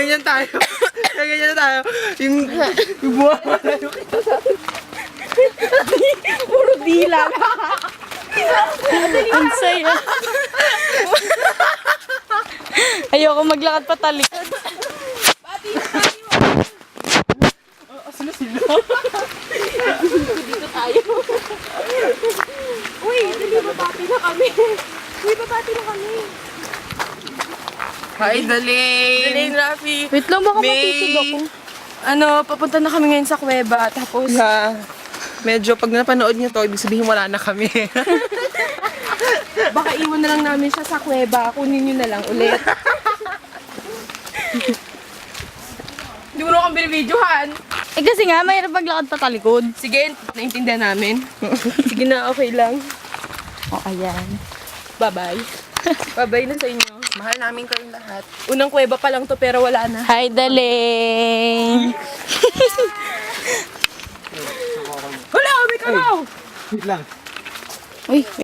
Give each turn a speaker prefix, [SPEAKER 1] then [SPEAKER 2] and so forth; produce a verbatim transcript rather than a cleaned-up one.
[SPEAKER 1] ganyan tayo. Gaganyan tayo. Yung, yung buha mo na yung
[SPEAKER 2] Puro dila.
[SPEAKER 3] Ang saya. Ayoko maglakad patalik.
[SPEAKER 1] Sino sila?
[SPEAKER 2] Dito tayo. Uy, dali babati na kami. Uy, babati na kami.
[SPEAKER 1] Hi, Dalene.
[SPEAKER 2] Elaine, Rafi.
[SPEAKER 3] Wait lang, baka
[SPEAKER 1] May-
[SPEAKER 3] matusog ako.
[SPEAKER 2] Ano, papunta na kami ngayon sa kuweba. Tapos,
[SPEAKER 1] Yeah. Medyo pag napanood niyo to, ibig sabihin wala na kami.
[SPEAKER 2] baka iwan na lang namin siya sa kuweba. Kunin nyo na lang ulit. Hindi mo na kang binibidyohan.
[SPEAKER 3] Eh kasi nga, mahirap maglakad patalikod.
[SPEAKER 2] Sige, naintindihan namin. Sige na, okay lang.
[SPEAKER 3] O, ayan.
[SPEAKER 2] Bye-bye. Bye-bye na sa inyo.
[SPEAKER 1] Mahal namin kayong lahat.
[SPEAKER 2] Unang kuweba pa lang to pero wala na.
[SPEAKER 3] Hi, Daling!
[SPEAKER 2] Wala, kami ka raw!
[SPEAKER 1] Wait lang.
[SPEAKER 3] Uy,